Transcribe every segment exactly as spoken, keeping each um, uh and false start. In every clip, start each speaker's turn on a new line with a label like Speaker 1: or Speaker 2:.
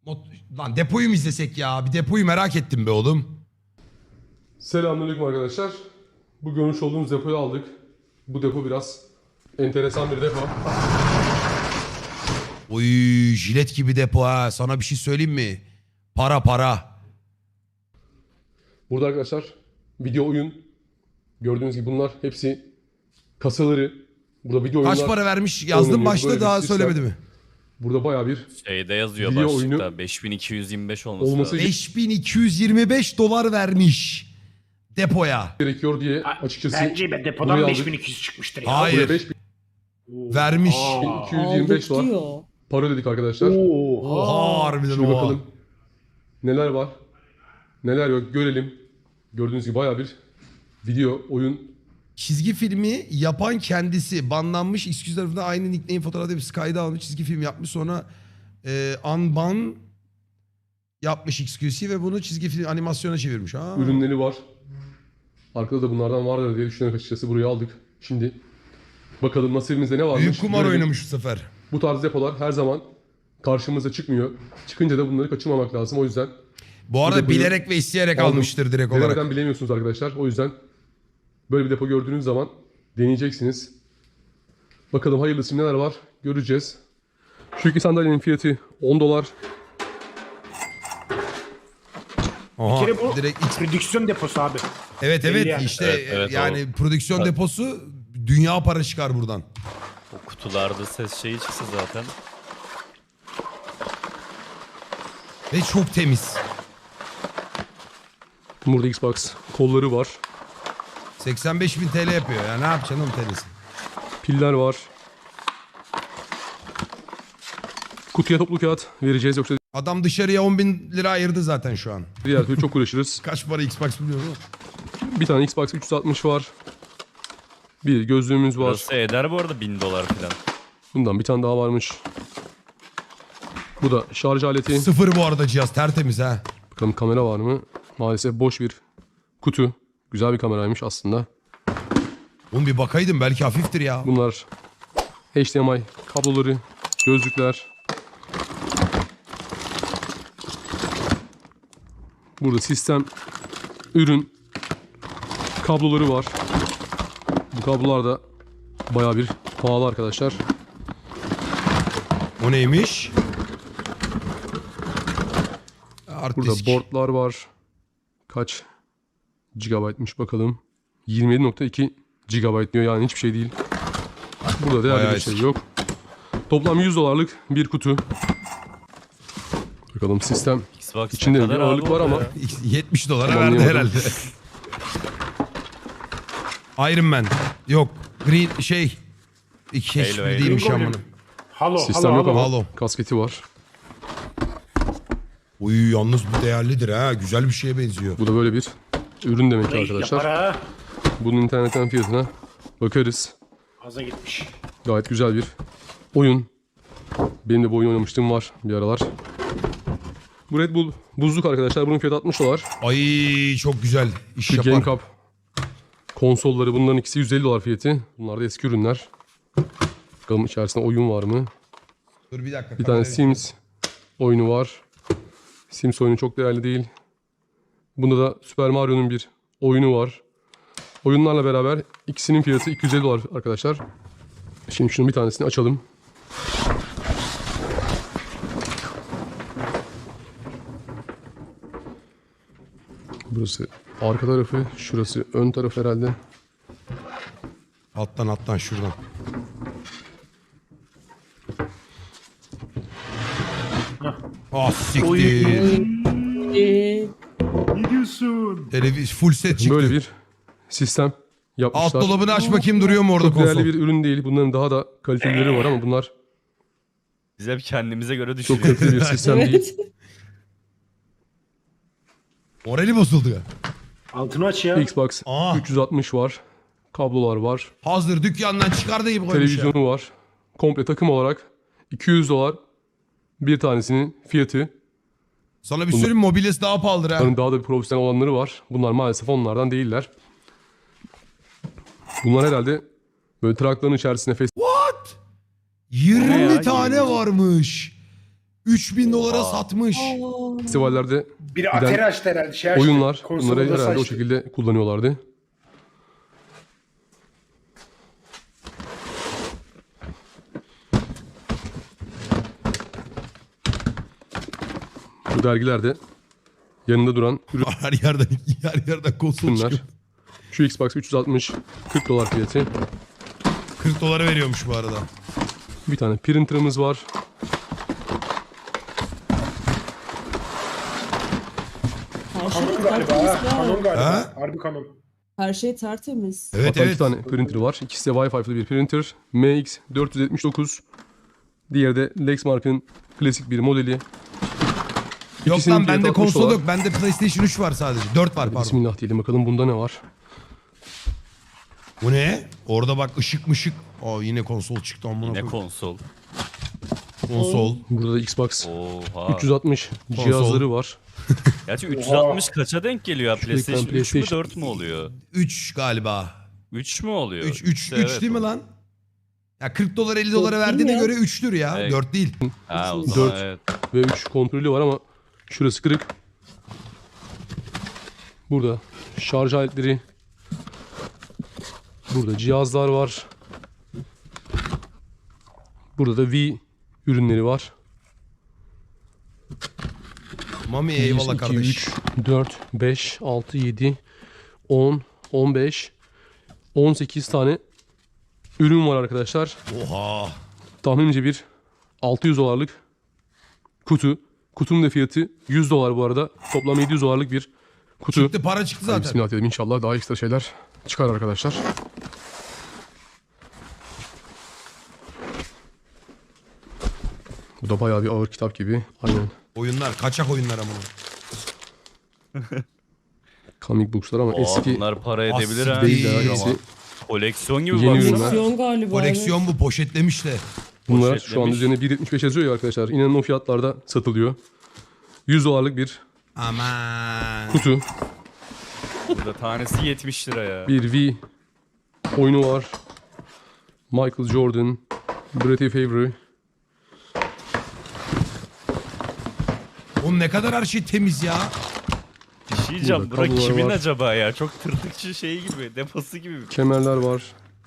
Speaker 1: Mot- Lan depoyu mu izlesek ya? Bir depoyu merak ettim be oğlum.
Speaker 2: Selamünaleyküm arkadaşlar. Bu görmüş olduğunuz depoyu aldık. Bu depo biraz enteresan bir depo.
Speaker 1: Oy jilet gibi depo ha. Sana bir şey söyleyeyim mi? Para para.
Speaker 2: Burada arkadaşlar video oyun. Gördüğünüz gibi bunlar hepsi kasaları. Burada video oyunlar.
Speaker 1: Kaç para vermiş yazdım
Speaker 2: oynanıyor.
Speaker 1: başta
Speaker 2: Böyle
Speaker 1: daha
Speaker 2: bir sistem.
Speaker 1: söylemedi mi?
Speaker 2: Burada bayağı bir
Speaker 3: Şeyde yazıyor
Speaker 2: Video
Speaker 3: başlıkta
Speaker 2: oyunu
Speaker 3: beş bin iki yüz yirmi beş olması,
Speaker 2: olması
Speaker 3: lazım.
Speaker 1: beş bin iki yüz yirmi beş dolar vermiş depoya.
Speaker 2: gerekiyor diye açıkçası
Speaker 4: Bence be
Speaker 2: buraya
Speaker 4: depodan
Speaker 2: aldık.
Speaker 4: beş bin iki yüz çıkmıştır ya.
Speaker 1: Hayır.
Speaker 2: Buraya beş bin
Speaker 1: Vermiş.
Speaker 2: iki yüz yirmi beş
Speaker 5: Aldık
Speaker 2: dolar
Speaker 5: diyor.
Speaker 2: para ödedik arkadaşlar.
Speaker 1: Oha harbiden
Speaker 2: Şimdi
Speaker 1: oha.
Speaker 2: bakalım neler var, neler yok görelim. Gördüğünüz gibi bayağı bir video oyun.
Speaker 1: Çizgi filmi yapan kendisi banlanmış. X Q tarafından aynı nickname fotoğrafı bir kayda almış. Çizgi film yapmış. Sonra e, unban yapmış X Q C ve bunu çizgi film animasyona çevirmiş. Ha.
Speaker 2: ürünleri var. Arkada da bunlardan vardır diye düşünerek açıkçası buraya aldık. Şimdi bakalım nasibimizde ne varmış.
Speaker 1: Büyük kumar
Speaker 2: görelim.
Speaker 1: oynamış bu sefer.
Speaker 2: Bu tarz depolar her zaman karşımıza çıkmıyor. Çıkınca da bunları kaçırmamak lazım. O yüzden
Speaker 1: Bu arada
Speaker 2: depoyu
Speaker 1: bilerek ve isteyerek
Speaker 2: aldım.
Speaker 1: almıştır direkt olarak.
Speaker 2: denemeden bilemiyorsunuz arkadaşlar. O yüzden böyle bir depo gördüğünüz zaman deneyeceksiniz. Bakalım hayırlısı neler var göreceğiz. Şu iki sandalyenin fiyatı on dolar.
Speaker 1: Aha,
Speaker 4: Bir kere bu
Speaker 1: direkt X-
Speaker 4: prodüksiyon deposu abi.
Speaker 1: Evet evet
Speaker 4: Belli yani.
Speaker 1: işte
Speaker 3: Evet, evet,
Speaker 1: yani
Speaker 3: o-
Speaker 1: prodüksiyon
Speaker 3: Evet.
Speaker 1: deposu dünya para çıkar buradan.
Speaker 3: O kutularda ses şeyi çıksa zaten.
Speaker 1: Ve çok temiz.
Speaker 2: Burada Xbox kolları var.
Speaker 1: seksen beş bin T L yapıyor ya ne yapacaksın oğlum T L'si?
Speaker 2: Piller var. Kutuya toplu kağıt vereceğiz yoksa
Speaker 1: Adam dışarıya on bin lira ayırdı zaten şu an.
Speaker 2: diğer türlü çok uğraşırız.
Speaker 1: Kaç para Xbox biliyorum ama.
Speaker 2: Bir tane Xbox üç yüz altmış var. Bir gözlüğümüz var.
Speaker 3: Burası eder bu arada bin dolar falan.
Speaker 2: Bundan bir tane daha varmış. Bu da şarj aleti.
Speaker 1: Sıfır bu arada cihaz tertemiz ha.
Speaker 2: Bakalım kamera var mı? Maalesef boş bir kutu. Güzel bir kameraymış aslında.
Speaker 1: Oğlum bir bakaydım belki hafiftir ya.
Speaker 2: Bunlar H D M I kabloları, gözlükler. Burada sistem, ürün, kabloları var. Bu kablolar da bayağı bir pahalı arkadaşlar.
Speaker 1: O neymiş? Hard
Speaker 2: Burada
Speaker 1: disk.
Speaker 2: boardlar var. Kaç gigabaytmış bakalım. yirmi yedi nokta iki gigabayt diyor, yani hiçbir şey değil. Burada değerli
Speaker 1: Bayağı
Speaker 2: bir şey
Speaker 1: eski.
Speaker 2: yok. Toplam yüz dolarlık bir kutu. Bakalım sistem.
Speaker 3: Xbox
Speaker 2: İçinde
Speaker 3: ne
Speaker 2: bir
Speaker 3: kadar
Speaker 2: ağırlık
Speaker 3: abi
Speaker 2: var
Speaker 3: orada
Speaker 2: ama
Speaker 3: ya?
Speaker 1: yetmiş dolara
Speaker 2: Tamam,
Speaker 1: verdi
Speaker 2: anlayamadım.
Speaker 1: herhalde. Iron Man. Yok. Green şey. İki
Speaker 3: Halo,
Speaker 1: hiçbir
Speaker 3: Halo.
Speaker 1: değilmiş
Speaker 4: Halo.
Speaker 1: amına.
Speaker 4: Halo,
Speaker 2: Sistem
Speaker 4: halo,
Speaker 2: yok
Speaker 4: halo.
Speaker 2: ama
Speaker 1: Halo.
Speaker 2: kasketi var.
Speaker 1: Uy yalnız bu değerlidir ha. Güzel bir şeye benziyor.
Speaker 2: Bu da böyle bir ürün demek ki
Speaker 4: Ey,
Speaker 2: arkadaşlar.
Speaker 4: yapar ha.
Speaker 2: Bunun internetten fiyatına bakarız.
Speaker 4: Aza gitmiş.
Speaker 2: Gayet güzel bir oyun. Benim de bu oyun oynamıştım var bir aralar. Bu Red Bull buzluk arkadaşlar. Bunun fiyatı altmış dolar.
Speaker 1: Ay çok güzel. İş
Speaker 2: Şu
Speaker 1: yapar.
Speaker 2: Game Cup konsolları, bunların ikisi yüz elli dolar fiyatı. Bunlar da eski ürünler. Bakalım içerisinde oyun var mı?
Speaker 1: Dur bir dakika.
Speaker 2: Bir tane
Speaker 1: kamerayı-
Speaker 2: Sims oyunu var. Sims oyunu çok değerli değil. Bunda da Super Mario'nun bir oyunu var. Oyunlarla beraber ikisinin fiyatı iki yüz elli dolar arkadaşlar. Şimdi şunun bir tanesini açalım. Burası arka tarafı, şurası ön taraf herhalde.
Speaker 1: Alttan alttan şuradan. Ah siktir.
Speaker 5: Ee,
Speaker 4: Ne diyorsun?
Speaker 1: Televiz full set çıktı.
Speaker 2: Böyle bir sistem
Speaker 1: Alt
Speaker 2: yapmışlar.
Speaker 1: dolabını aç bakayım duruyor mu orada
Speaker 2: Çok değerli
Speaker 1: konsol?
Speaker 2: bir ürün değil. Bunların daha da kalitelileri var ama bunlar
Speaker 3: Biz hep kendimize göre
Speaker 2: çok
Speaker 3: düşünüyoruz.
Speaker 2: kaliteli bir sistem değil.
Speaker 5: evet.
Speaker 1: Morali bozuldu ya.
Speaker 4: Altını aç ya.
Speaker 2: Xbox
Speaker 1: Aa.
Speaker 2: üç yüz altmış var. Kablolar var.
Speaker 1: Hazır dükkandan çıkardığı gibi koymuş ya.
Speaker 2: Televizyonu var. Komple takım olarak iki yüz dolar bir tanesinin fiyatı.
Speaker 1: Sana bir söyleyeyim mobilyası daha pahalıdır ha.
Speaker 2: Bunların daha da bir profesyonel olanları var. Bunlar maalesef onlardan değiller. Bunlar herhalde böyle trakların içerisine fes-
Speaker 1: yirmi
Speaker 3: ya,
Speaker 1: tane
Speaker 3: yirmi.
Speaker 1: varmış. üç bin dolara
Speaker 3: Oha.
Speaker 1: satmış.
Speaker 2: Festivallerde
Speaker 4: Biri Atari açtı herhalde. Şey açtı.
Speaker 2: oyunlar
Speaker 4: konsolu
Speaker 2: bunları
Speaker 4: nasıl
Speaker 2: herhalde o
Speaker 4: açtı?
Speaker 2: şekilde kullanıyorlardı. Bu dergilerde yanında duran
Speaker 1: Her yerden her yerden konsol
Speaker 2: ürünler.
Speaker 1: çıkıyor.
Speaker 2: Şu Xbox üç yüz altmış kırk dolar fiyatı.
Speaker 1: kırk dolara veriyormuş bu arada.
Speaker 2: Bir tane printer'ımız var.
Speaker 5: Her şey
Speaker 4: Kanon galiba
Speaker 5: tertemiz
Speaker 4: ha. Kanon
Speaker 5: ya.
Speaker 4: galiba.
Speaker 1: Ha?
Speaker 4: Harbi kanon.
Speaker 5: Her şey tertemiz.
Speaker 1: Evet
Speaker 2: Hatta
Speaker 1: evet.
Speaker 2: iki tane printer var. İkisi de Wi-Fi'li bir printer. M X dört yüz yetmiş dokuz. Diğeri de Lexmark'ın klasik bir modeli.
Speaker 1: Yok
Speaker 2: İkisinin
Speaker 1: lan
Speaker 2: fiyatı
Speaker 1: bende
Speaker 2: altmış
Speaker 1: konsol
Speaker 2: dolar.
Speaker 1: yok. Bende PlayStation üç var sadece. dört var pardon.
Speaker 2: Bismillah diyelim bakalım bunda ne var.
Speaker 1: Bu ne? Orada bak ışık mışık. Aa yine konsol çıktı amına
Speaker 3: Yine
Speaker 1: koyayım.
Speaker 3: konsol.
Speaker 1: Konsol.
Speaker 2: Burada da Xbox
Speaker 3: Oha.
Speaker 2: üç yüz altmış cihazları var.
Speaker 3: Gerçi üç yüz altmış kaça denk geliyor ya?
Speaker 2: Şuradaki
Speaker 3: PlayStation
Speaker 2: ben
Speaker 3: üç mü
Speaker 2: PlayStation-
Speaker 3: dört mü oluyor?
Speaker 1: üç galiba.
Speaker 3: üç mü oluyor?
Speaker 1: üç üç
Speaker 3: İşte
Speaker 1: üç
Speaker 3: evet
Speaker 1: değil mi
Speaker 3: o.
Speaker 1: lan? Ya kırk dolar elli dolara
Speaker 5: Dört değil
Speaker 1: verdiğine
Speaker 5: mi ya?
Speaker 1: göre üçtür ya.
Speaker 3: Evet.
Speaker 1: dört değil.
Speaker 3: Ha o zaman
Speaker 2: Dört.
Speaker 3: evet.
Speaker 2: Ve üç kontrolü var ama şurası kırık. Burada şarj aletleri. Burada cihazlar var. Burada da V ürünleri var.
Speaker 1: Mami
Speaker 2: bir,
Speaker 1: eyvallah
Speaker 2: iki,
Speaker 1: kardeş.
Speaker 2: üç, dört, beş, altı, yedi, on, on beş, on sekiz tane ürün var arkadaşlar.
Speaker 1: Oha.
Speaker 2: Tahminimce bir altı yüz dolarlık kutu. Kutunun da fiyatı yüz dolar bu arada. Toplam yedi yüz dolarlık bir kutu.
Speaker 1: Çıktı para çıktı
Speaker 2: Hadi
Speaker 1: zaten.
Speaker 2: bismillah dedim, inşallah daha ekstra şeyler çıkar arkadaşlar. Bu da bayağı bir ağır kitap gibi. Aynen.
Speaker 1: Oyunlar kaçak oyunlar ama.
Speaker 2: Comic books'lar ama
Speaker 3: Oha,
Speaker 2: eski
Speaker 3: bunlar para edebilir ha.
Speaker 1: Değil
Speaker 2: değil de
Speaker 1: ama.
Speaker 2: hepsi.
Speaker 3: Koleksiyon gibi
Speaker 2: Yeni
Speaker 3: baksana.
Speaker 2: ürünler.
Speaker 5: Koleksiyon galiba.
Speaker 1: Koleksiyon bu poşetlemiş de.
Speaker 2: Bunlar
Speaker 3: Poşetlemiş.
Speaker 2: şu an üzerine bir yetmiş beş yazıyor ya arkadaşlar. İnanın o fiyatlarda satılıyor. yüz dolarlık bir
Speaker 1: Aman.
Speaker 2: kutu.
Speaker 3: Burada tanesi yetmiş lira ya.
Speaker 2: Bir V oyunu var. Michael Jordan, Brett Favre.
Speaker 1: Oğlum ne kadar her şey temiz ya.
Speaker 3: Bir şey diyeceğim.
Speaker 2: Burada
Speaker 3: Bura
Speaker 2: kablolar
Speaker 3: kimin
Speaker 2: var.
Speaker 3: acaba ya? Çok tırtıkçı şey gibi. Deposu gibi.
Speaker 2: Kemerler var.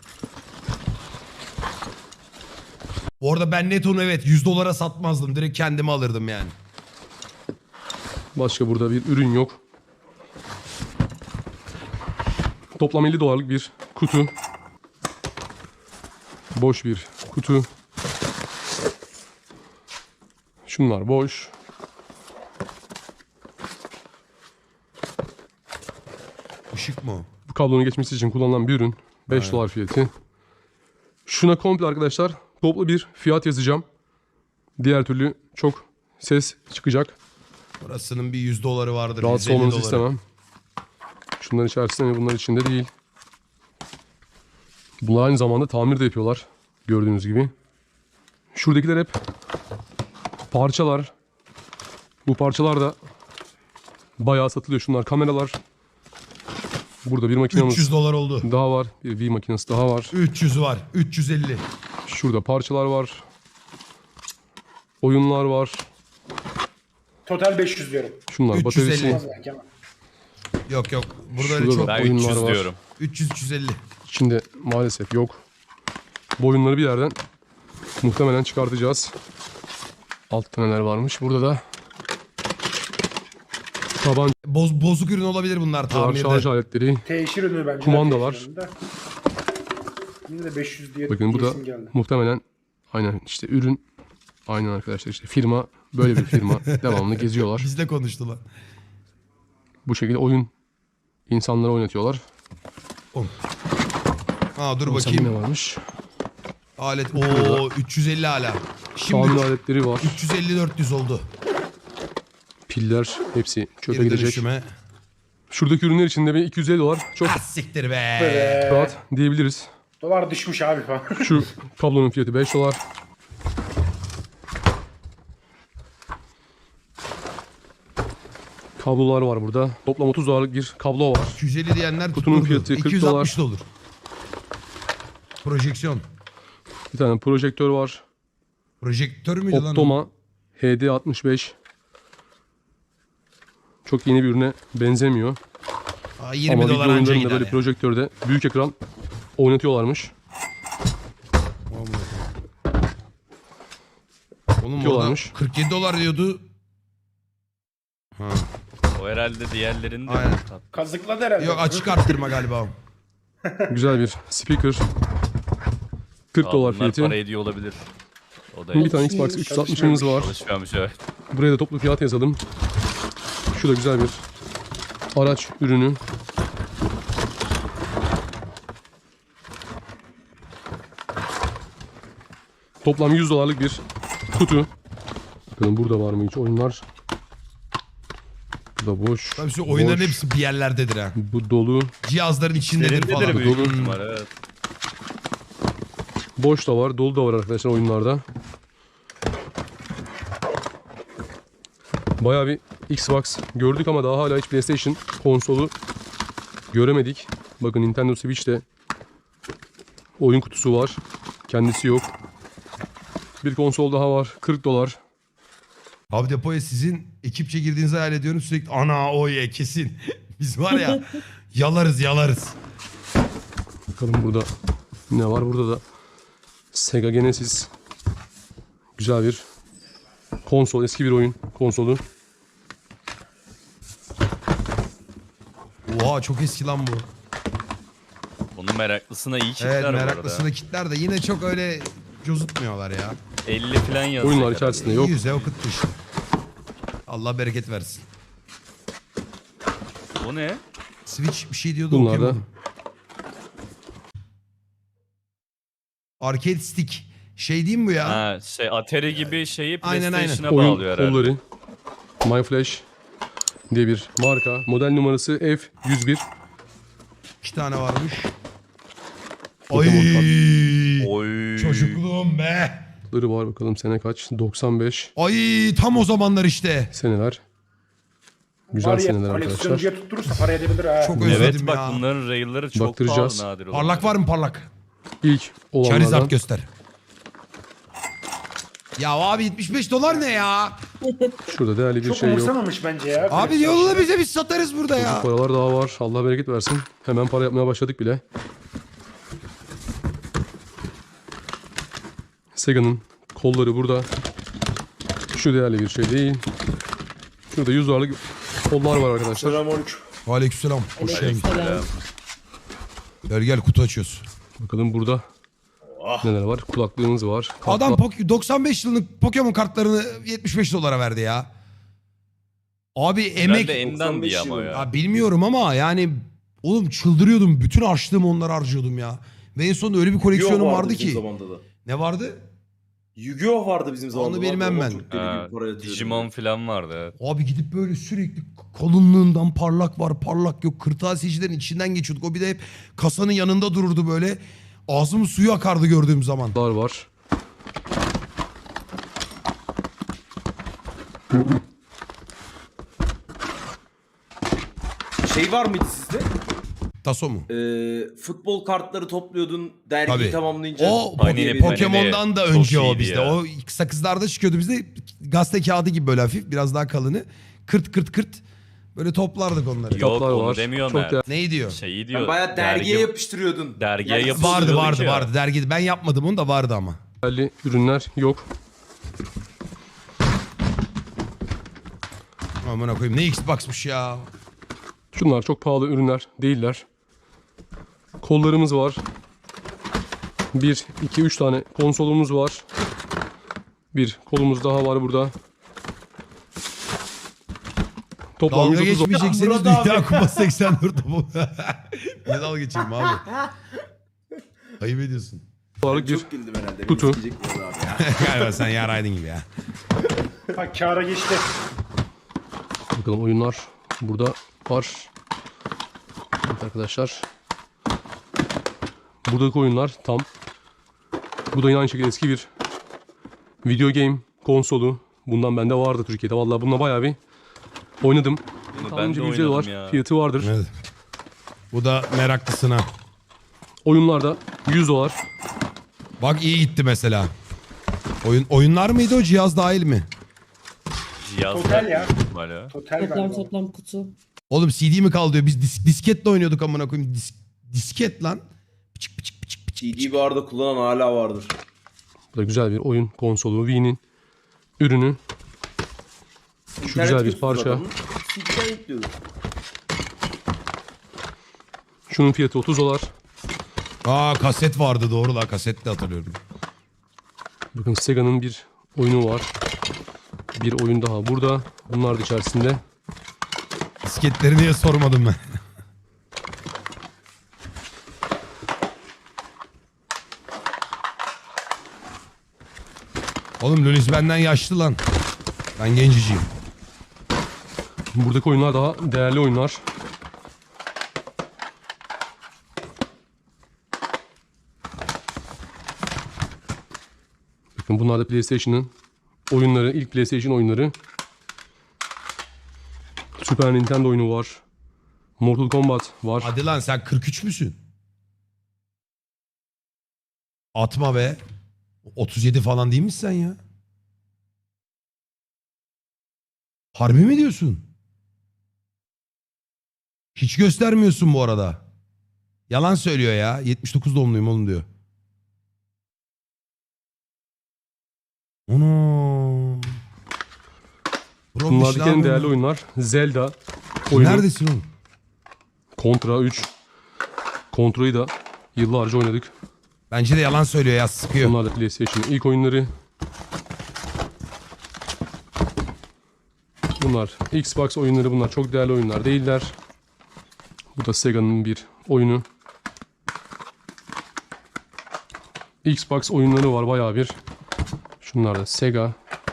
Speaker 1: Bu arada ben net onu evet yüz dolara satmazdım. Direkt kendime alırdım yani.
Speaker 2: Başka burada bir ürün yok. Toplam elli dolarlık bir kutu. Boş bir kutu. Şunlar boş.
Speaker 1: Işık mı o?
Speaker 2: Bu kablonun geçmesi için kullanılan bir ürün. beş dolar fiyatı. Şuna komple arkadaşlar toplu bir fiyat yazacağım. Diğer türlü çok ses çıkacak.
Speaker 1: Burasının bir yüz doları vardır.
Speaker 2: Rahatsız
Speaker 1: yüz elli
Speaker 2: olmanızı
Speaker 1: doları.
Speaker 2: istemem. Şunların içerisinde ve bunlar içinde değil. Bunlar aynı zamanda tamir de yapıyorlar. Gördüğünüz gibi. Şuradakiler hep parçalar. Bu parçalar da bayağı satılıyor. Şunlar kameralar. Burada bir makinamız
Speaker 1: üç yüz dolar oldu.
Speaker 2: daha var. Bir V makinesi daha var.
Speaker 1: üç yüz var. üç yüz elli.
Speaker 2: Şurada parçalar var. Oyunlar var.
Speaker 4: Total beş yüz diyorum.
Speaker 2: Şunlar
Speaker 1: üç yüz elli.
Speaker 2: bataryası.
Speaker 4: Az belki ama.
Speaker 1: Yok yok. Burada öyle
Speaker 2: Şurada
Speaker 1: çok.
Speaker 2: da
Speaker 3: Ben
Speaker 2: oyunlar
Speaker 3: üç yüz
Speaker 2: var.
Speaker 3: diyorum.
Speaker 1: üç yüz üç yüz elli.
Speaker 2: İçinde maalesef yok. Bu oyunları bir yerden muhtemelen çıkartacağız. Altta neler varmış. Burada da tabancalar,
Speaker 1: Boz, bozuk ürün olabilir bunlar
Speaker 2: şarj
Speaker 1: tamirde.
Speaker 2: aletleri.
Speaker 4: Teşhir ürünü bence.
Speaker 2: Kumandalar.
Speaker 4: Teşhir ürünü de. Yine de beş yüz diye
Speaker 2: Bakın bu da
Speaker 4: diyesim geldi.
Speaker 2: muhtemelen aynen işte ürün. Aynen arkadaşlar işte firma böyle bir firma devamlı geziyorlar.
Speaker 1: Bizle konuştular.
Speaker 2: Bu şekilde oyun insanlara oynatıyorlar.
Speaker 1: Ha dur
Speaker 2: Bakalım ne
Speaker 1: bakayım.
Speaker 2: varmış.
Speaker 1: Alet. Oo üç yüz elli hala. Şimdi
Speaker 2: Tamir aletleri var.
Speaker 1: üç yüz elli dört yüz oldu.
Speaker 2: Piller hepsi çöpe
Speaker 1: Geri
Speaker 2: gidecek.
Speaker 1: dönüşüme.
Speaker 2: Şuradaki ürünler içinde bir iki yüz elli dolar çok
Speaker 1: Ah siktir be.
Speaker 4: Böyle
Speaker 2: rahat diyebiliriz.
Speaker 4: dolar düşmüş abi falan.
Speaker 2: Şu kablonun fiyatı beş dolar. Kablolar var burada. Toplam otuz dolarlık bir kablo var.
Speaker 1: iki yüz elli diyenler
Speaker 2: Kutunun
Speaker 1: tutturdu.
Speaker 2: fiyatı kırk
Speaker 1: iki yüz altmış da olur. Projeksiyon.
Speaker 2: Bir tane projektör var.
Speaker 1: Projektör müydü lan o?
Speaker 2: Optoma H D altmış beş. Çok yeni bir ürüne benzemiyor.
Speaker 1: Aa, yirmi
Speaker 2: Ama video
Speaker 1: dolar anca
Speaker 2: oyunlarında
Speaker 1: gider
Speaker 2: böyle
Speaker 1: ya.
Speaker 2: projektörde büyük ekran oynatıyorlarmış.
Speaker 1: Oğlum orada
Speaker 2: Diyorlarmış.
Speaker 1: kırk yedi dolar diyordu. Ha.
Speaker 3: O herhalde diğerlerinin de
Speaker 1: Aynen.
Speaker 3: tat-
Speaker 4: Kazıkladı herhalde.
Speaker 1: Yok açık arttırma galiba o.
Speaker 2: Güzel bir speaker. kırk dolar
Speaker 3: Bunlar
Speaker 2: fiyatı.
Speaker 3: para ediyor olabilir. O da
Speaker 2: Bir tane Xbox
Speaker 5: Çalışmıyormuş.
Speaker 2: üç yüz altmışımız var.
Speaker 3: çalışmıyormuş evet.
Speaker 2: Buraya da toplu fiyat yazalım. Şu da güzel bir araç ürünü. Toplam yüz dolarlık bir kutu. Bakalım burada var mı hiç oyunlar? Bu da boş.
Speaker 1: Tabii şu oyunların
Speaker 2: Boş.
Speaker 1: hepsi bir yerlerdedir ha.
Speaker 2: Bu dolu.
Speaker 1: Cihazların içindedir falan.
Speaker 3: Derindedir büyük
Speaker 2: Dolu.
Speaker 3: ihtimal evet.
Speaker 2: Boş da var, dolu da var arkadaşlar oyunlarda. Bayağı bir Xbox gördük ama daha hala hiç PlayStation konsolu göremedik. Bakın Nintendo Switch'te oyun kutusu var. Kendisi yok. Bir konsol daha var. kırk dolar.
Speaker 1: Abi depoya sizin ekipçe girdiğinizi hayal ediyorum. Sürekli ana o ye kesin. Biz var ya yalarız yalarız.
Speaker 2: Bakalım burada ne var? Burada da Sega Genesis. Güzel bir konsol. Eski bir oyun konsolu.
Speaker 1: Oha çok eski lan bu.
Speaker 3: Onun meraklısına iyi kitler
Speaker 1: Evet
Speaker 3: bu arada.
Speaker 1: meraklısını kitler de yine çok öyle cozutmuyorlar ya.
Speaker 3: elli falan yazıyor.
Speaker 2: Oyunlar
Speaker 3: herhalde.
Speaker 2: içerisinde yok.
Speaker 1: Yüze okutmuş. Allah bereket versin.
Speaker 3: O ne?
Speaker 1: Switch bir şey diyordu
Speaker 2: Bunlar da
Speaker 1: okuyamadım. Arcade stick. Şey diyeyim bu ya?
Speaker 3: Ha şey Atari gibi şeyi
Speaker 1: Aynen, aynen.
Speaker 3: PlayStation'a
Speaker 2: oyun
Speaker 3: bağlıyor herhalde.
Speaker 2: kolları. MyFlash diye bir marka. Model numarası F yüz bir.
Speaker 1: İki tane varmış.
Speaker 2: Pokemon
Speaker 1: Ay
Speaker 3: Oy.
Speaker 1: çocukluğum be.
Speaker 2: Ları var bakalım sene kaç? doksan beş
Speaker 1: Ay tam o zamanlar işte.
Speaker 2: seneler. Güzel
Speaker 4: Var ya,
Speaker 2: seneler arkadaşlar.
Speaker 4: koleksiyoncuya tutturursa para edebilir ha.
Speaker 1: Çok özledim
Speaker 3: Evet bak
Speaker 1: ya.
Speaker 3: bunların rail'ları çok
Speaker 2: Baktıracağız.
Speaker 3: pahalı nadir olan.
Speaker 1: Parlak var mı parlak?
Speaker 2: İlk
Speaker 1: Charizard
Speaker 2: olanlardan.
Speaker 1: göster. Ya abi yetmiş beş dolar ne ya?
Speaker 2: Şurada değerli bir
Speaker 4: Çok
Speaker 2: şey yok.
Speaker 4: umursamamış bence ya.
Speaker 1: Abi
Speaker 4: koleksiyon
Speaker 1: yolla
Speaker 4: şeyleri.
Speaker 1: bize biz satarız burada ya.
Speaker 2: Paralar daha var. Allah bereket versin. Hemen para yapmaya başladık bile. Sega'nın kolları burada. Şu değerli bir şey değil. Şurada yüz dolarlık kollar var arkadaşlar.
Speaker 4: Selamünaleyküm.
Speaker 1: Aleykümselam. Hoş geldin.
Speaker 5: Selam.
Speaker 1: Gel gel kutu açıyoruz.
Speaker 2: Bakalım burada neler var. Kulaklığımız var. Kart
Speaker 1: Adam
Speaker 2: var.
Speaker 1: Pok- doksan beş yıllık Pokemon kartlarını yetmiş beş dolara verdi ya. Abi emek...
Speaker 3: Herhalde Endan diye ama ya.
Speaker 1: Ya bilmiyorum ama yani oğlum çıldırıyordum. Bütün harçlığımı onlara harcıyordum ya. Ve en sonunda öyle bir koleksiyonum
Speaker 6: Yu-Gi-Oh
Speaker 1: vardı
Speaker 6: bizim
Speaker 1: ki.
Speaker 6: zamanda da.
Speaker 1: Ne vardı?
Speaker 6: Yu-Gi-Oh vardı bizim zamanında.
Speaker 1: bilmem
Speaker 6: Babam
Speaker 1: ben.
Speaker 6: çok deli
Speaker 3: Ha,
Speaker 6: gibi para yatırıyordu.
Speaker 3: Digimon falan vardı evet.
Speaker 1: Abi gidip böyle sürekli kalınlığından parlak var parlak yok. Kırtasiyecilerin içinden geçiyorduk. O bir de hep kasanın yanında dururdu böyle. Ağzımın suyu akardı gördüğüm zaman.
Speaker 2: Kutlar var.
Speaker 6: Şey var mıydı sizde?
Speaker 1: Taso mu?
Speaker 6: Ee, futbol kartları topluyordun dergiyi
Speaker 1: Tabii.
Speaker 6: tamamlayınca.
Speaker 1: O
Speaker 3: Panini,
Speaker 6: diye bir-
Speaker 3: Panini.
Speaker 1: Pokemon'dan da
Speaker 3: Çok
Speaker 1: önce o
Speaker 3: iyiydi
Speaker 1: bizde.
Speaker 3: ya.
Speaker 1: O sakızlarda çıkıyordu bizde. Gazete kağıdı gibi böyle hafif biraz daha kalını. Kırt kırt kırt. Böyle toplardık onları.
Speaker 3: Yok
Speaker 2: Kitaplar
Speaker 3: onu
Speaker 2: var.
Speaker 3: demiyorum
Speaker 2: Çok
Speaker 3: ben.
Speaker 2: değerli.
Speaker 1: Neyi diyor?
Speaker 3: Şeyi diyor.
Speaker 6: Yani bayağı dergiye
Speaker 3: dergi-
Speaker 6: yapıştırıyordun.
Speaker 3: dergiye
Speaker 6: Yani
Speaker 3: yapıştırıyorduk
Speaker 1: Vardı
Speaker 3: Yapıştırıyorduk
Speaker 1: vardı
Speaker 3: ya.
Speaker 1: vardı. Dergi ben yapmadım onu da vardı ama.
Speaker 2: Değerli ürünler yok.
Speaker 1: Amına koyayım ne Xbox'mış ya.
Speaker 2: Şunlar çok pahalı ürünler değiller. Kollarımız var. Bir, iki, üç tane konsolumuz var. Bir kolumuz daha var burada. Toplam
Speaker 1: Dalga
Speaker 2: yüz otuz
Speaker 1: geçmeyecekseniz
Speaker 6: Murat
Speaker 1: Dünya
Speaker 6: abi.
Speaker 1: Kupası seksen dört bu. Ne dalga geçeyim abi? Ayıp ediyorsun.
Speaker 2: dolarlık bir
Speaker 6: Çok güldüm herhalde. Beni
Speaker 2: kutu.
Speaker 6: sikecek bu abi ya.
Speaker 1: Galiba sen yaraydın gibi ya.
Speaker 4: Ha kâra geçti.
Speaker 2: bakalım oyunlar burada var. Evet arkadaşlar. Buradaki oyunlar tam. Bu da yine aynı şekilde eski bir video game konsolu. Bundan bende vardı Türkiye'de. Vallahi bununla bayağı bir oynadım.
Speaker 3: Bunu ben
Speaker 2: Tahminimce
Speaker 3: de
Speaker 2: bir yüz elli
Speaker 3: oynadım
Speaker 2: dolar
Speaker 3: ya.
Speaker 2: fiyatı vardır.
Speaker 1: Evet. Bu da meraklısına.
Speaker 2: Oyunlarda yüz dolar.
Speaker 1: Bak iyi gitti mesela. Oyun oyunlar mıydı o cihaz dahil mi?
Speaker 3: Cihazlar
Speaker 4: Total ya.
Speaker 3: ihtimalle.
Speaker 4: Total
Speaker 5: Toplam
Speaker 4: galiba.
Speaker 5: toplam kutu.
Speaker 1: Oğlum C D mi kaldı diyor. Biz dis- disketle oynuyorduk amına koyayım. Dis- disket lan. Pıçık pıçık pıçık pıçık.
Speaker 6: C D bu arada kullanan hala vardır.
Speaker 2: Bu da güzel bir oyun konsolu. Wii'nin ürünü. Şu
Speaker 6: İnternet
Speaker 2: güzel bir
Speaker 6: götürdü
Speaker 2: parça.
Speaker 6: adamın, C D'den yüklüyordu.
Speaker 2: Şunun fiyatı otuz dolar.
Speaker 1: Aa kaset vardı doğru la kaset de hatırlıyorum.
Speaker 2: Bakın Sega'nın bir oyunu var. Bir oyun daha burada. Bunlar da içerisinde.
Speaker 1: Disketleri niye sormadım ben. Oğlum Lulis benden yaşlı lan. Ben genciciyim.
Speaker 2: Buradaki oyunlar daha değerli oyunlar. Bakın bunlar da PlayStation'ın oyunları, ilk PlayStation oyunları. Super Nintendo oyunu var. Mortal Kombat var.
Speaker 1: Hadi lan sen kırk üç müsün? Atma be. otuz yedi falan değil misin sen ya? Harbi mi diyorsun? Hiç göstermiyorsun bu arada. Yalan söylüyor ya. yetmiş dokuz doğumluyum oğlum diyor. Ono. Bro,
Speaker 2: Bunlardaki
Speaker 1: bir şey
Speaker 2: en değerli
Speaker 1: yapıyorum.
Speaker 2: oyunlar Zelda oyunu.
Speaker 1: Neredesin oğlum?
Speaker 2: Contra üç. Contra'yı da yıllarca oynadık.
Speaker 1: Bence de yalan söylüyor ya sıkıyor.
Speaker 2: Bunlar da PlayStation'ın ilk oyunları. Bunlar Xbox oyunları, bunlar çok değerli oyunlar değiller. Bu da Sega'nın bir oyunu. Xbox oyunları var bayağı bir. Şunlar da Sega.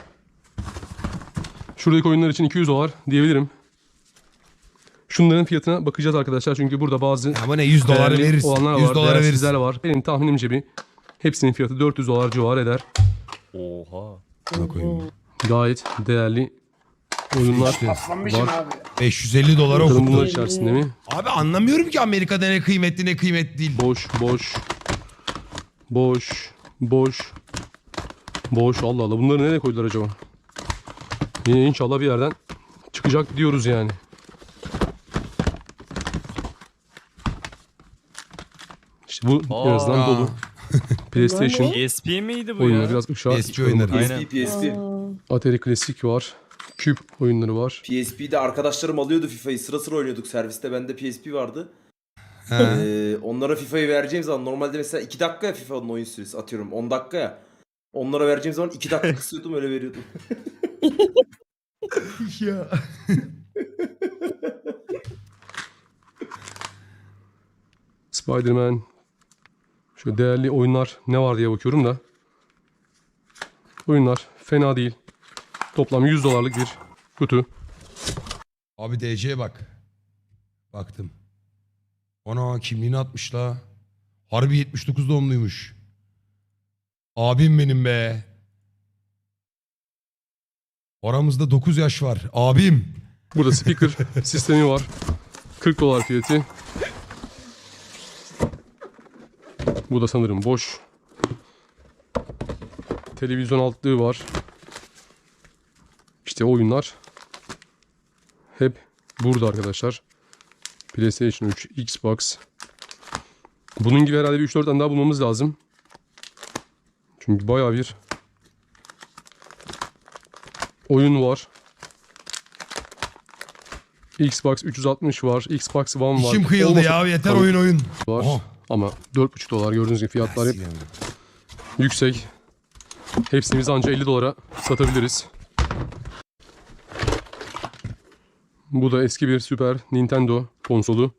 Speaker 2: Şuradaki oyunlar için iki yüz dolar diyebilirim. Şunların fiyatına bakacağız arkadaşlar çünkü burada bazı
Speaker 1: Ama ne yüz doları
Speaker 2: değerli
Speaker 1: veririz.
Speaker 2: olanlar
Speaker 1: yüz
Speaker 2: var,
Speaker 1: dolara veririz.
Speaker 2: değersizler var. Benim tahminimce bir hepsinin fiyatı dört yüz dolar civarı eder.
Speaker 3: Oha.
Speaker 1: Buna koyayım.
Speaker 2: Gayet değerli oyunlar
Speaker 4: Aslanmışım
Speaker 2: var.
Speaker 4: abi.
Speaker 1: beş yüz elli dolara
Speaker 2: Bakalım bunlar
Speaker 1: okuttu.
Speaker 2: içerisinde mi?
Speaker 1: Abi anlamıyorum ki Amerika'da ne kıymetli ne kıymetli değil.
Speaker 2: Boş, boş. Boş, boş. Boş, Allah Allah. Bunları nereye koydular acaba? Yine inşallah bir yerden çıkacak diyoruz yani. İşte bu en azından
Speaker 3: Aa.
Speaker 2: dolu. PlayStation
Speaker 3: P S P miydi bu
Speaker 2: oyunları
Speaker 3: ya?
Speaker 2: biraz ışığa
Speaker 1: P S P
Speaker 2: çıkaralım
Speaker 1: oyunları.
Speaker 2: bakalım.
Speaker 6: P S P, P S P.
Speaker 5: Aa,
Speaker 2: Atari Klasik var. Küp oyunları var.
Speaker 6: P S P'de arkadaşlarım alıyordu FIFA'yı. Sıra sıra oynuyorduk serviste. Bende P S P vardı.
Speaker 1: He.
Speaker 6: Ee, onlara FIFA'yı vereceğim zaman normalde mesela iki dakika ya FIFA'nın oyun süresi atıyorum on dakika ya. Onlara vereceğim zaman iki dakika kısıyordum öyle veriyordum.
Speaker 1: ya.
Speaker 2: Spider-Man. Şu değerli oyunlar ne var diye bakıyorum da. Oyunlar fena değil. Toplam yüz dolarlık bir kutu.
Speaker 1: Abi D C'ye bak. Baktım. Ana kimliğini atmış la. Harbi yetmiş dokuz doğumluymuş. Abim benim be. Aramızda dokuz yaş var. Abim.
Speaker 2: Burada speaker sistemi var. kırk dolar fiyatı. Bu da sanırım boş. Televizyon altlığı var. İşte oyunlar hep burada arkadaşlar. PlayStation üç, Xbox. Bunun gibi herhalde bir üç dört tane daha bulmamız lazım. Çünkü bayağı bir oyun var. Xbox üç yüz altmış var. Xbox One var.
Speaker 1: İçim kıyıldı
Speaker 2: Olmasa
Speaker 1: ya yeter
Speaker 2: tabii
Speaker 1: oyun oyun.
Speaker 2: var.
Speaker 1: Aha.
Speaker 2: Ama dört buçuk dolar gördüğünüz gibi fiyatlar hep yüksek. Hepsini biz anca elli dolara satabiliriz. Bu da eski bir Super Nintendo konsolu.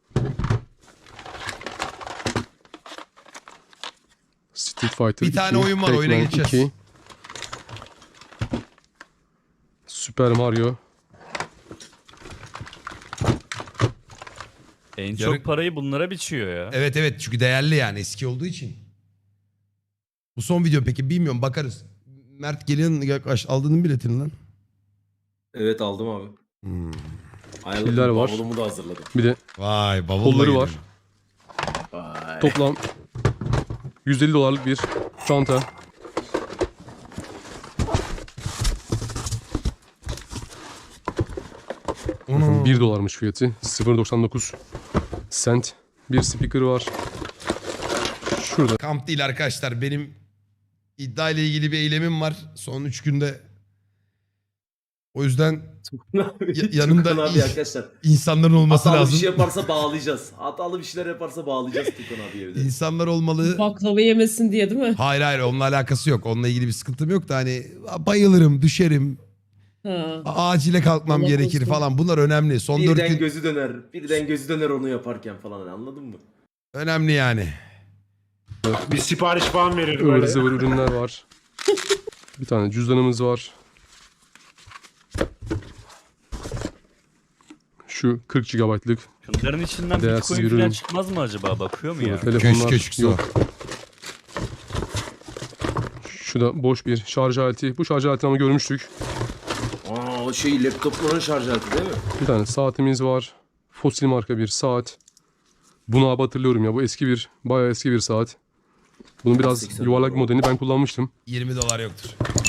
Speaker 2: Street Fighter
Speaker 1: Bir tane
Speaker 2: iki,
Speaker 1: oyun var, oyuna
Speaker 2: Pac-Man
Speaker 1: geçeceğiz.
Speaker 2: iki, Super Mario.
Speaker 3: En
Speaker 1: Yarın-
Speaker 3: çok parayı bunlara biçiyor ya.
Speaker 1: Evet evet çünkü değerli yani eski olduğu için. Bu son video peki bilmiyorum bakarız. Mert gelin yaklaş aldın mı biletini lan?
Speaker 6: Evet aldım abi.
Speaker 1: Hmm.
Speaker 6: Ayarladım.
Speaker 2: Piller var.
Speaker 6: Bavulumu da hazırladım.
Speaker 2: Bir de
Speaker 1: Vay bavulla
Speaker 2: kolları
Speaker 1: gelin.
Speaker 2: var.
Speaker 6: Vay.
Speaker 2: Toplam yüz elli dolarlık bir çanta.
Speaker 1: Ana.
Speaker 2: bir dolarmış fiyatı. sıfır virgül doksan dokuz cent. Bir speaker var. Şurada
Speaker 1: Kamp değil arkadaşlar. Benim iddia ile ilgili bir eylemim var. Son üç günde. O yüzden Ya- yanımda
Speaker 6: Tukan abi
Speaker 1: iyi-
Speaker 6: arkadaşlar.
Speaker 1: insanların olması
Speaker 6: Hatalı
Speaker 1: lazım.
Speaker 6: bir şey yaparsa bağlayacağız. Hatalı bir şeyler yaparsa bağlayacağız Tukan abi evde.
Speaker 1: İnsanlar olmalı.
Speaker 5: Baklava yemesin diye değil mi?
Speaker 1: Hayır hayır onunla alakası yok. Onunla ilgili bir sıkıntım yok da hani bayılırım, düşerim,
Speaker 5: Ha.
Speaker 1: acile kalkmam
Speaker 5: Allah
Speaker 1: gerekir
Speaker 5: korusun.
Speaker 1: falan. Bunlar önemli. Son dört
Speaker 6: Birden
Speaker 1: gün
Speaker 6: gözü döner. Birden gözü döner onu yaparken falan hani, anladın mı?
Speaker 1: önemli yani.
Speaker 4: Bir sipariş falan verir
Speaker 2: ıvır
Speaker 4: böyle.
Speaker 2: zıvır ürünler var. Bir tane cüzdanımız var. Şu kırk gigabaytlık
Speaker 3: Şunların içinden
Speaker 2: Değersiz
Speaker 3: Bitcoin
Speaker 2: bir
Speaker 3: falan
Speaker 2: ürün.
Speaker 3: çıkmaz mı acaba? Bakıyor mu ya?
Speaker 2: telefonlar
Speaker 1: Keşke çıksa.
Speaker 2: yok. Şu da boş bir şarj aleti. Bu şarj aletini ama görmüştük.
Speaker 6: Aa o şey laptopların şarj aleti değil mi?
Speaker 2: Bir tane saatimiz var. Fosil marka bir saat. Bunu abi hatırlıyorum ya. Bu eski bir, bayağı eski bir saat. Bunun biraz
Speaker 6: seksen
Speaker 2: yuvarlak
Speaker 6: dolar.
Speaker 2: modelini ben kullanmıştım.
Speaker 1: yirmi dolar yoktur.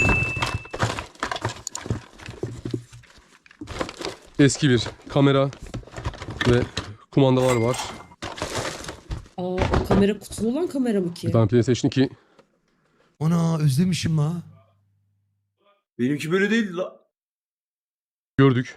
Speaker 2: Eski bir kamera ve kumandalar var.
Speaker 5: Aa, o kamera kutulu olan kamera mı ki?
Speaker 2: Bir tane PlayStation iki.
Speaker 1: Ona özlemişim la.
Speaker 6: Benimki böyle değil la.
Speaker 2: Gördük.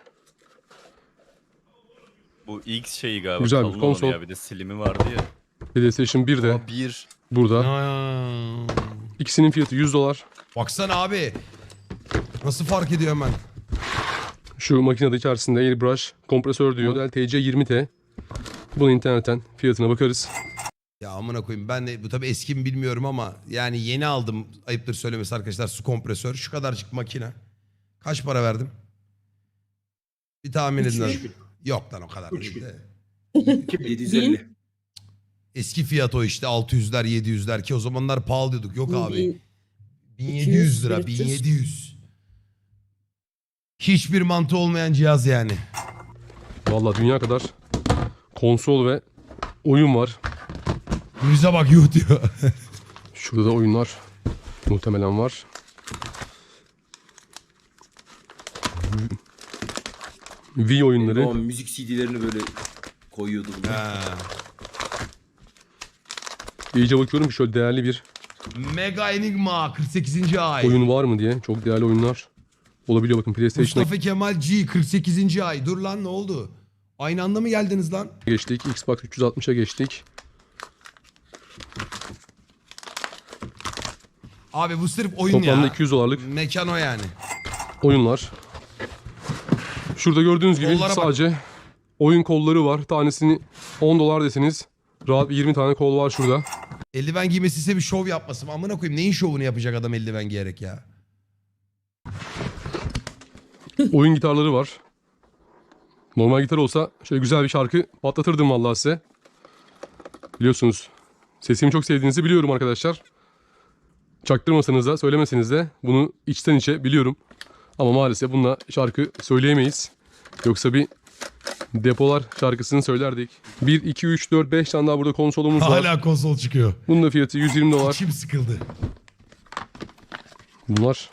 Speaker 3: Bu X şeyi galiba.
Speaker 2: Güzel bir
Speaker 3: kalın olanı
Speaker 2: konsol.
Speaker 3: Ya. Bir de silimi vardı ya.
Speaker 2: PlayStation bir de
Speaker 3: Ama bir.
Speaker 2: burada.
Speaker 1: Aa.
Speaker 2: İkisinin fiyatı yüz dolar.
Speaker 1: Baksana abi. Nasıl fark ediyor hemen?
Speaker 2: Şu makinede içerisinde airbrush kompresör diyor. Model T C yirmi T. Bunu internetten fiyatına bakarız.
Speaker 1: Ya amına koyayım ben de bu tabii eski mi bilmiyorum ama yani yeni aldım ayıptır söylemesi arkadaşlar su kompresör şu kadarcık makine. Kaç para verdim? Bir tahmin
Speaker 5: Üç
Speaker 1: edin.
Speaker 5: bin.
Speaker 1: lan. Yok lan o kadar
Speaker 4: Üç
Speaker 1: değil
Speaker 4: bin.
Speaker 1: de.
Speaker 6: yedi yüz elli.
Speaker 1: Eski fiyat o işte altı yüzler yedi yüzler ki o zamanlar pahalı diyorduk. Yok abi.
Speaker 5: Bin-
Speaker 1: bin yedi yüz lira
Speaker 5: iki yüz,
Speaker 1: bin yedi yüz. Hiçbir mantığı olmayan cihaz yani.
Speaker 2: Vallahi dünya kadar konsol ve oyun var.
Speaker 1: Yüze bak yuh diyor.
Speaker 2: Şurada da oyunlar muhtemelen var. Wii oyunları.
Speaker 6: O müzik C D'lerini böyle koyuyordum. ben.
Speaker 1: Ha.
Speaker 2: İyice bakıyorum ki şöyle değerli bir
Speaker 1: Mega Enigma kırk sekizinci ay.
Speaker 2: oyun var mı diye. Çok değerli oyunlar olabiliyor. Bakın PlayStation'a
Speaker 1: Mustafa Kemal G kırk sekizinci ay. Dur lan ne oldu? Aynı anda mı geldiniz lan?
Speaker 2: geçtik. Xbox üç yüz altmışa geçtik.
Speaker 1: Abi bu sırf oyun
Speaker 2: Toplamda
Speaker 1: ya.
Speaker 2: iki yüz dolarlık
Speaker 1: Mekan o yani.
Speaker 2: oyunlar. Şurada gördüğünüz gibi
Speaker 1: Kollara bak.
Speaker 2: sadece oyun kolları var. Tanesini on dolar deseniz rahat bir yirmi tane kol var şurada.
Speaker 1: Eldiven giymesi ise bir şov yapmasın. Amına koyayım neyin şovunu yapacak adam eldiven giyerek ya.
Speaker 2: Oyun gitarları var. Normal gitar olsa şöyle güzel bir şarkı patlatırdım vallahi size. Biliyorsunuz sesimi çok sevdiğinizi biliyorum arkadaşlar. Çaktırmasanız da söylemeseniz de bunu içten içe biliyorum. Ama maalesef bununla şarkı söyleyemeyiz. Yoksa bir depolar şarkısını söylerdik. bir, iki, üç, dört, beş tane daha burada konsolumuz var.
Speaker 1: Hala konsol çıkıyor.
Speaker 2: Bunun da fiyatı yüz yirmi dolar.
Speaker 1: İçim sıkıldı.
Speaker 2: Bunlar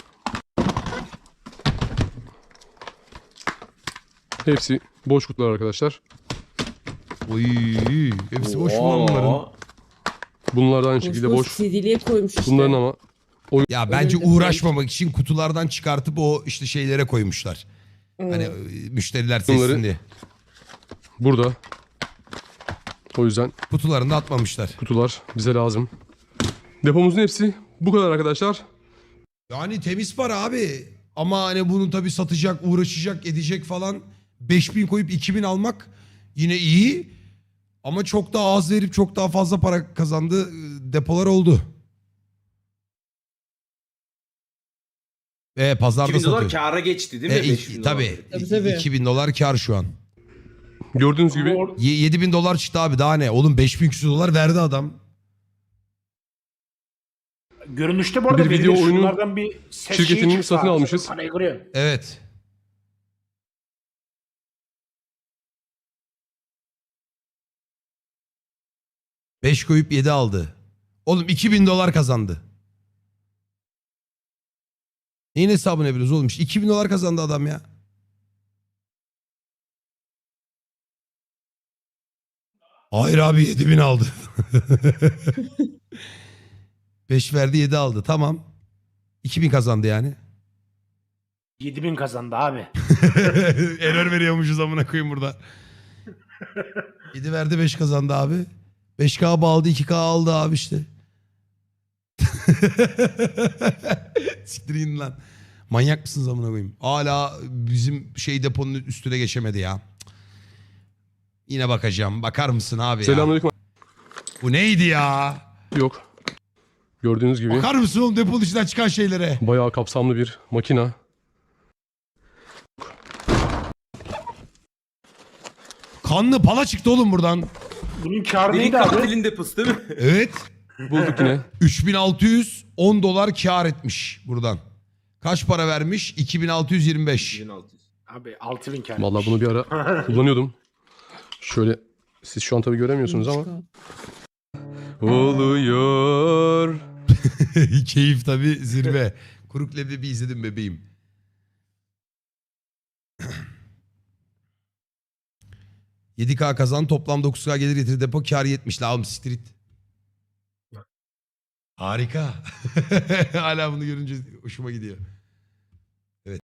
Speaker 2: hepsi boş kutular arkadaşlar.
Speaker 1: Oy, hepsi boş mu lan
Speaker 6: Oha.
Speaker 1: bunların?
Speaker 2: Bunlar da aynı
Speaker 5: Boş
Speaker 2: şekilde
Speaker 5: boş
Speaker 2: boş.
Speaker 5: C D'liye koymuş işte.
Speaker 2: Bunların ama
Speaker 1: Ya bence
Speaker 5: Önünde
Speaker 1: uğraşmamak için kutulardan çıkartıp o işte şeylere koymuşlar. Hani e, müşteriler
Speaker 2: Bunları-
Speaker 1: seçsin diye.
Speaker 2: burada. O yüzden
Speaker 1: Kutularını da atmamışlar.
Speaker 2: kutular bize lazım. Depomuzun hepsi bu kadar arkadaşlar.
Speaker 1: Yani temiz para abi. Ama hani bunu tabii satacak, uğraşacak, edecek falan. beş bin koyup iki bin almak yine iyi. Ama çok daha az verip çok daha fazla para kazandığı e, depolar oldu. E pazarda
Speaker 6: iki bin dolar
Speaker 1: satıyor.
Speaker 6: kâra geçti değil mi?
Speaker 1: E,
Speaker 6: beş
Speaker 1: iki-
Speaker 6: bin dolar.
Speaker 1: tabii.
Speaker 5: Tabii, tabii.
Speaker 1: iki bin dolar kar şu an.
Speaker 2: Gördüğünüz gibi
Speaker 4: Or-
Speaker 1: Ye- yedi bin dolar çıktı abi daha ne? Oğlum beş bin küsur dolar verdi adam.
Speaker 4: Görünüşte bu arada
Speaker 2: Bir
Speaker 4: verilir.
Speaker 2: video oyunu
Speaker 4: Şunlardan bir ses
Speaker 2: şirketini
Speaker 4: şeyi çıksa
Speaker 2: satın
Speaker 4: abi,
Speaker 2: almışız.
Speaker 4: parayı kırıyor.
Speaker 1: Evet. Beş koyup yedi aldı. Oğlum iki bin dolar kazandı. Neyin hesabını yapıyoruz oğlum? iki bin dolar kazandı adam ya. Hayır abi yedi bin aldı. beş verdi yedi aldı. Tamam. iki bin kazandı yani.
Speaker 4: yedi bin kazandı abi.
Speaker 1: Error veriyormuşuz amına koyayım burada. yedi verdi beş kazandı abi. beş K bağladı iki K aldı abi işte. Siktirin lan. Manyak mısınız amına koyayım? Hala bizim şey deponun üstüne geçemedi ya. Yine bakacağım. Bakar mısın abi ya?
Speaker 2: Selamünaleyküm.
Speaker 1: Bu neydi ya?
Speaker 2: Yok. Gördüğünüz gibi
Speaker 1: Bakar mısın oğlum deponun içinden çıkan şeylere?
Speaker 2: bayağı kapsamlı bir makina.
Speaker 1: Kanlı pala çıktı oğlum buradan.
Speaker 4: Bunun kârı
Speaker 6: Benim
Speaker 4: neydi abi?
Speaker 6: katilin deposu değil mi?
Speaker 1: Evet.
Speaker 2: Bulduk yine.
Speaker 1: üç bin altı yüz on dolar kar etmiş buradan. Kaç para vermiş? iki bin altı yüz yirmi beş.
Speaker 6: bin altı yüz.
Speaker 4: Abi altı bin kârı.
Speaker 2: Vallahi bunu bir ara kullanıyordum. Şöyle siz şu an tabii göremiyorsunuz ama. Oluyor.
Speaker 1: Keyif tabii zirve. Kuruk leblebi izledim bebeğim. yedi K kazan toplam dokuz K gelir getirdi depo kar yetmiş la oğlum street. Harika. Hala bunu görünce hoşuma gidiyor.